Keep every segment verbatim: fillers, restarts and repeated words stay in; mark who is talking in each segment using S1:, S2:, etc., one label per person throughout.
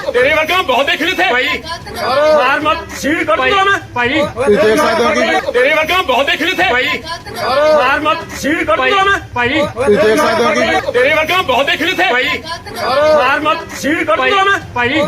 S1: तेरे वर्ग में बहुत देख रहे थे भाई, मार मत सीट कर दूंगा मैं भाई। तेरे वर्ग में बहुत देख रहे थे भाई, मार मत सीट कर दूंगा मैं भाई। तेरे वर्ग में बहुत देख रहे थे भाई, मार मत सीट कर दूंगा मैं भाई।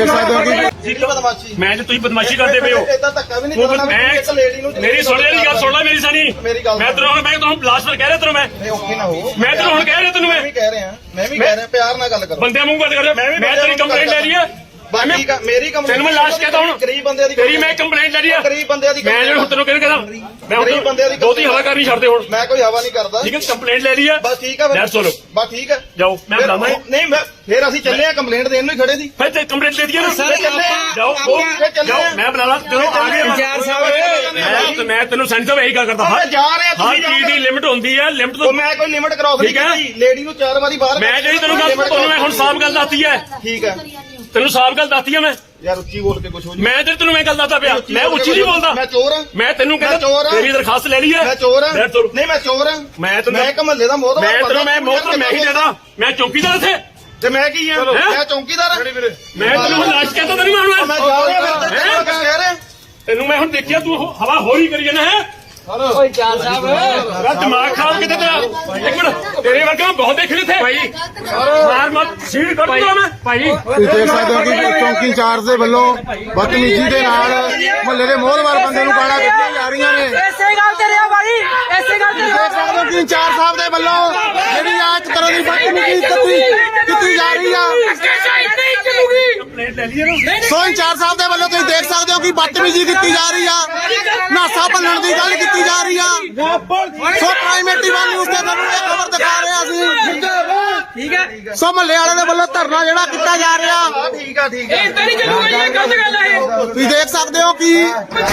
S1: मैं जो तुम बदमाशी करते पे हो मेरी सुन रही गल सुन ला मेरी सानी। मैं तेरे मैं तुम लास्ट पर कह रहा तेरे मैं मैं तेरे हुण कह रहा तेन मैं
S2: कह रहा मैं भी कह रहा प्यार ना गल करो
S1: बंदे मुंह गल कर। मैं तेरी कंप्लेंट ले रही है
S2: मेरी कंप्लेंट
S1: मैं लास्ट कहता हूँ
S2: गरीब बंदे दी
S1: तेरी मैं कंप्लेंट ले रही है
S2: गरीब बंदे दी
S1: मैं जो तेन कहता मैं
S2: गरीब बंदे दी
S1: दो तीन हवा कर नहीं छड़ते हुण
S2: मैं कोई हवा नहीं करदा
S1: ठीक है। कंप्लेंट ले रही है
S2: बस ठीक है
S1: चलो
S2: बस ठीक है
S1: जाओ मैं बुलाना
S2: नहीं मैं फिर ਅਸੀਂ ਚੱਲੇ ਆ ਕੰਪਲੇਂਟ ਦੇਣ ਨੂੰ ਹੀ ਖੜੇ ਸੀ
S1: फिर ते कंप्लेंट ले दिया ना
S2: ਚੱਲੇ
S1: जाओ जाओ मैं बुला ला चलो आ गए
S2: ਇੰਚਾਰਜ ਸਾਹਿਬ
S1: मैं मैं तेन सेंटर में यही गल करता हर
S2: ਜਾ ਰਹੇ
S1: हर चीज की लिमिट होंदी है लिमिट तो
S2: ਮੈਂ ਕੋਈ ਲਿਮਟ ਕ੍ਰਾਸ ਨਹੀਂ ਕੀਤੀ ਲੇਡੀ ਨੂੰ ਚਾਰ ਵਾਰੀ ਬਾਹਰ
S1: मैं जी तेन गल तेन मैं हुण साफ गल दसती है
S2: ਠੀਕ ਹੈ
S1: तेन साफ गल दसती है मैं
S2: ਯਾਰ ਉੱਚੀ ਬੋਲ ਕੇ ਕੁਝ ਹੋ ਜੀ
S1: मैं तेरे तेन मैं गल दसदा पिया मैं उच्ची नहीं बोलता
S2: ਮੈਂ ਚੋਰ ਹਾਂ
S1: मैं तेन कहता तेरी दरखास्त ले ली है
S2: ਮੈਂ ਚੋਰ ਹਾਂ
S1: मैं तुर-
S2: ਨਹੀਂ ਮੈਂ ਚੋਰ ਹਾਂ
S1: मैं तेन
S2: ਮੈਂ ਇੱਕ ਮਹੱਲੇ ਦਾ ਮੋਹਤਬਰ
S1: मैं तेन मैं मोहतर मैं ही देता मैं चौकीदार थे
S2: ਤੇ ਮੈਂ ਕੀ ਹਾਂ ਮੈਂ ਚੌਂਕੀਦਾਰ ਹਾਂ
S1: मैं तेन हुण लाश कहता तो नहीं मानूंगा
S2: ਮੈਂ ਜਾ ਰਿਹਾ ਮੈਂ ਕਹਿ ਰਿਹਾ
S1: तेन मैं हुण देखिया तू हवा होरी करी जाना है
S2: ਓਏ ਚਾਰ ਸਾਹਿਬ
S1: तेरा दिमाग खराब कितने तेरा एक मिनट तेरे वर्ग में बहुत देख रहे थे भाई, मार मत सीट कर दूंगा मैं भाई।
S3: ਤੁਸੀਂ ਦੇਖ ਸਕਦੇ ਹੋ ਕਿ ਚੌਂਕੀ ਇੰਚਾਰਜ ਦੇ ਵੱਲੋਂ ਬਦਤਮੀਜ਼ੀ ਦੇ ਨਾਲ ਮੁਹੱਲੇ ਦੇ ਮੋਹਲਵਾਰ ਬੰਦੇ ਨੂੰ ਗਾਲਾਂ ਕੱਢੀਆਂ ਜਾ ਰਹੀਆਂ ਨੇ।
S4: ਐਸੇ ਗੱਲ ਤੇ ਰਿਹਾ ਭਾਈ, ਐਸੇ ਗੱਲ ਤੇ
S3: ਦੇਖ ਸਕਦੇ ਹੋ ਕਿ ਇੰਚਾਰਜ ਸਾਹਿਬ ਦੇ ਵੱਲੋਂ ਜਿਹੜੀ ਆ ਇੱਕ ਤਰ੍ਹਾਂ ਦੀ ਬਦਤਮੀਜ਼ੀ ਕੀਤੀ ਕੀਤੀ ਜਾ ਰਹੀ ਆ।
S1: कंप्लेंट ले ली है ना
S3: ਸੋ ਇੰਚਾਰਜ ਸਾਹਿਬ ਦੇ ਵੱਲੋਂ ਤੁਸੀਂ ਦੇਖ ਸਕਦੇ ਹੋ ਕਿ ਬਦਤਮੀਜ਼ੀ ਕੀਤੀ ਜਾ ਰਹੀ ਆ, ਨਾਸਾ ਭੰਨਣ ਦੀ ਗੱਲ ਕੀਤੀ ਜਾ ਰਹੀ ਆ। ਸੋ ਪ੍ਰਾਈਮ ਟੀਵੀ ਨਿਊਜ਼ ਤੇ ਤੁਹਾਨੂੰ ਇਹ ਖਬਰ ਦਿਖਾ ਰਹੇ ਅਸੀਂ।
S4: ਠੀਕ ਹੈ।
S3: ਸੋ ਮੁਹੱਲੇ ਵਾਲੇ ਦੇ ਵੱਲੋਂ ਧਰਨਾ ਜਿਹੜਾ ਕੀਤਾ ਜਾ ਰਿਹਾ
S2: ਠੀਕ ਆ ਠੀਕ ਆ
S4: ਇਹ ਤਾਂ ਨਹੀਂ ਚੱਲੂਗਾ, ਇਹ ਗਲਤ ਗੱਲ ਹੈ।
S3: ਤੁਸੀਂ ਦੇਖ ਸਕਦੇ ਹੋ ਕਿ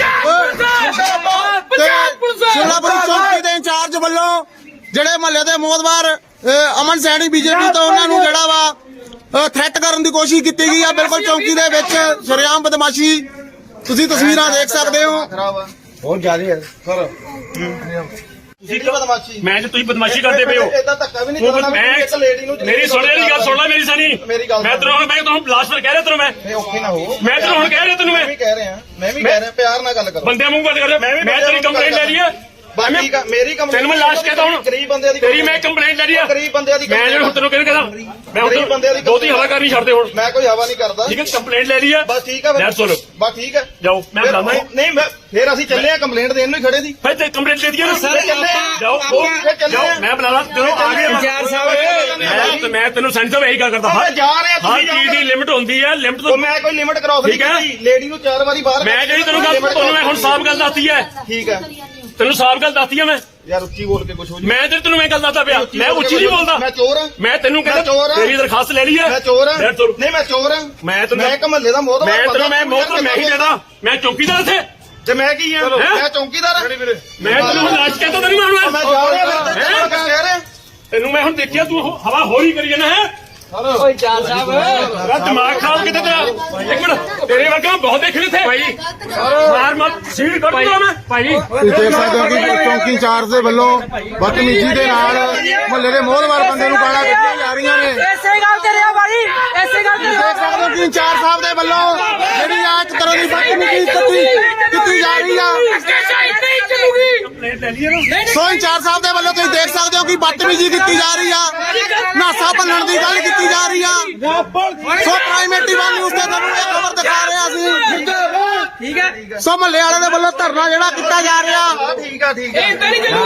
S3: ਸ਼ਿਮਲਾਪੁਰੀ ਚੌਂਕੀ ਦੇ ਇੰਚਾਰਜ ਵੱਲੋਂ ਜਿਹੜੇ ਮੁਹੱਲੇ ਦੇ ਮੋਹਤਬਾਰ ਅਮਨ ਸੈਣੀ ਬੀਜੇਪੀ ਤੋਂ ਉਹਨਾਂ ਨੂੰ ਜਿਹੜਾ ਵਾ ਥ੍ਰੈਟ ਕਰਨ ਦੀ ਕੋਸ਼ਿਸ਼ ਕੀਤੀ ਗਈ ਆ। ਬਿਲਕੁਲ ਚੌਂਕੀ ਦੇ ਵਿੱਚ ਸ਼ਰੇਆਮ ਬਦਮਾਸ਼ੀ ਤੁਸੀਂ ਤਸਵੀਰਾਂ ਦੇਖ ਸਕਦੇ ਹੋ।
S2: ਬਹੁਤ ਜ਼ਿਆਦਾ ਹੈ ਸਰ ਤੁਸੀਂ ਕੀ ਬਦਮਾਸ਼ੀ
S1: मैं जो तुम बदमाशी करते पे हो
S2: ਇਦਾਂ ਧੱਕਾ ਵੀ ਨਹੀਂ ਕਰਨਾ
S1: मैं
S2: ਇੱਕ ਲੇਡੀ ਨੂੰ
S1: मेरी सुन रही गल सुन ला मेरी सानी।
S2: ਮੇਰੀ ਗੱਲ
S1: मैं तेरे मैं तुम लास्ट पर कह रहा तेन मैं
S2: ਨਹੀਂ ਔਖੇ ਨਾ ਹੋ
S1: मैं तेरे हुण कह रहा तेन
S2: ਮੈਂ
S1: मैं
S2: ਵੀ ਕਹਿ ਰਿਹਾ ਮੈਂ ਵੀ ਕਹਿ ਰਿਹਾ ਪਿਆਰ ਨਾਲ ਗੱਲ ਕਰੋ
S1: बंदे मुंह गल कर। मैं तेरी कंप्लेंट ले रही है
S2: ਬਸ ਠੀਕ ਆ ਮੇਰੀ ਕੰਪਲੇਂਟ
S1: तेन मैं लास्ट कहता हूँ
S2: ਗਰੀਬ ਬੰਦੇ ਦੀ
S1: तेरी मैं कंप्लेंट ले रही है
S2: ਗਰੀਬ ਬੰਦੇ ਦੀ
S1: मैं जो तेन कहता मैं
S2: गरीब बंदे दी
S1: दो तीन हवा कर नहीं छड़ते हुण
S2: ਮੈਂ ਕੋਈ ਹਵਾ ਨਹੀਂ ਕਰਦਾ
S1: ठीक है। कंप्लेंट ले ली है
S2: ਬਸ ਠੀਕ ਆ
S1: चलो
S2: ਬਸ ਠੀਕ ਹੈ
S1: जाओ मैं
S2: ਫਿਰ-
S1: बुलाना
S2: ਨਹੀਂ ਮੈਂ ਫਿਰ ਅਸੀਂ ਚੱਲੇ ਆ ਕੰਪਲੇਂਟ ਦੇਣ ਨੂੰ ਹੀ ਖੜੇ ਸੀ
S1: फिर ते कंप्लेंट ले दिया ना
S2: ਚੱਲੇ
S1: जाओ जाओ मैं बुला ला चलो आ गए
S4: ਇੰਚਾਰਜ ਸਾਹਿਬ
S1: मैं मैं तेन सेंटर में यही गल करता हर
S2: ਜਾ ਰਹੇ
S1: हर चीज की लिमिट होंदी है लिमिट तो
S2: ਮੈਂ ਕੋਈ ਲਿਮਟ ਕ੍ਰਾਸ ਨਹੀਂ
S1: ਠੀਕ ਹੈ।
S2: ਕੀਤੀ ਲੇਡੀ ਨੂੰ ਚਾਰ ਵਾਰੀ ਬਾਹਰ
S1: मैं जी तेन गल तेन मैं हुण साफ गल दसती है
S2: ਠੀਕ ਹੈ
S1: तेन साफ गल दसती है मैं
S2: ਯਾਰ ਉੱਚੀ ਬੋਲ ਕੇ ਕੁਝ ਹੋ ਜੀ
S1: मैं तेरे तेन मैं गल दसदा पिया मैं उच्ची नहीं बोलता
S2: ਮੈਂ ਚੋਰ ਹਾਂ
S1: मैं तेन
S2: मैं
S1: कहता
S2: चोर हाँ।
S1: तेरी दरखास्त ले ली है
S2: ਮੈਂ ਚੋਰ ਹਾਂ
S1: मैं तुर-
S2: ਨਹੀਂ ਮੈਂ ਚੋਰ ਹਾਂ
S1: मैं तेन
S2: ਮੈਂ ਇੱਕ ਮਹੱਲੇ ਦਾ ਮੋਹਤਬਰ
S1: मैं तेन मैं मोहतर मैं ही देता मैं चौकीदार थे
S2: ਤੇ ਮੈਂ ਕੀ ਹਾਂ
S1: ਹੈਂ?
S2: ਮੈਂ ਚੌਂਕੀਦਾਰ ਹਾਂ
S1: मैं तेन हुण लास्ट कहता तो नहीं
S2: ਮੈਂ
S1: मानूंगा
S2: ਜਾ ਰਿਹਾ ਮੈਂ ਕਹਿ ਰਿਹਾ
S1: तेन मैं हुण देखिया तू हवा होरी करी जाना है
S4: ਓਏ ਚਾਰ ਸਾਹਿਬ
S1: तेरा दिमाग खराब कितने तेरा एक मिनट तेरे वर्ग में बहुत देख रहे थे भाई, मार मत सीट कर दूंगा मैं भाई।
S3: ਤੁਸੀਂ ਦੇਖ ਸਕਦੇ ਹੋ ਕਿ ਚੌਂਕੀ ਇੰਚਾਰਜ ਦੇ ਵੱਲੋਂ ਬਦਤਮੀਜ਼ੀ ਦੇ ਨਾਲ ਮੁਹੱਲੇ ਦੇ ਮੋਹਲਵਾਰ ਬੰਦੇ ਨੂੰ ਗਾਲਾਂ ਕੱਢੀਆਂ ਜਾ ਰਹੀਆਂ ਨੇ।
S4: ਐਸੇ ਗੱਲ ਤੇ ਰਿਹਾ ਭਾਈ, ਐਸੇ ਗੱਲ ਤੇ
S3: ਤੁਸੀਂ ਦੇਖ ਸਕਦੇ ਹੋ ਕਿ ਇੰਚਾਰਜ ਸਾਹਿਬ ਦੇ ਵੱਲੋਂ ਜਿਹੜੀ ਆ ਇੱਕ ਤਰ੍ਹਾਂ ਦੀ ਬਦਤਮੀਜ਼ੀ ਕੀਤੀ ਕੀਤੀ ਜਾ ਰਹੀ ਆ।
S4: ਨਹੀਂ ਚੱਲੂਗੀ।
S1: कंप्लेंट ले ली है ना
S3: ਸੋ ਇੰਚਾਰਜ ਸਾਹਿਬ ਦੇ ਵੱਲੋਂ ਤੁਸੀਂ ਦੇਖ ਸਕਦੇ ਹੋ ਕਿ ਬਦਤਮੀਜ਼ੀ ਕੀਤੀ ਜਾ ਰਹੀ ਆ, ਨਾਸਾ ਭੰਨਣ ਦੀ ਗੱਲ ਕੀਤੀ ਜਾ ਰਹੀ ਆ। ਸੋ ਪ੍ਰਾਈਮ ਟੀਵੀ ਨਿਊਜ਼ ਤੇ ਤੁਹਾਨੂੰ ਇਹ ਖਬਰ ਦਿਖਾ ਰਹੇ ਅਸੀਂ।
S4: ਠੀਕ ਹੈ।
S3: ਸੋ ਮੁਹੱਲੇ ਵਾਲੇ ਦੇ ਵੱਲੋਂ ਧਰਨਾ ਜਿਹੜਾ ਕੀਤਾ ਜਾ ਰਿਹਾ
S2: ਠੀਕ ਆ ਠੀਕ ਆ
S4: ਇਹ ਤਾਂ ਨਹੀਂ ਚੱਲੂਗਾ।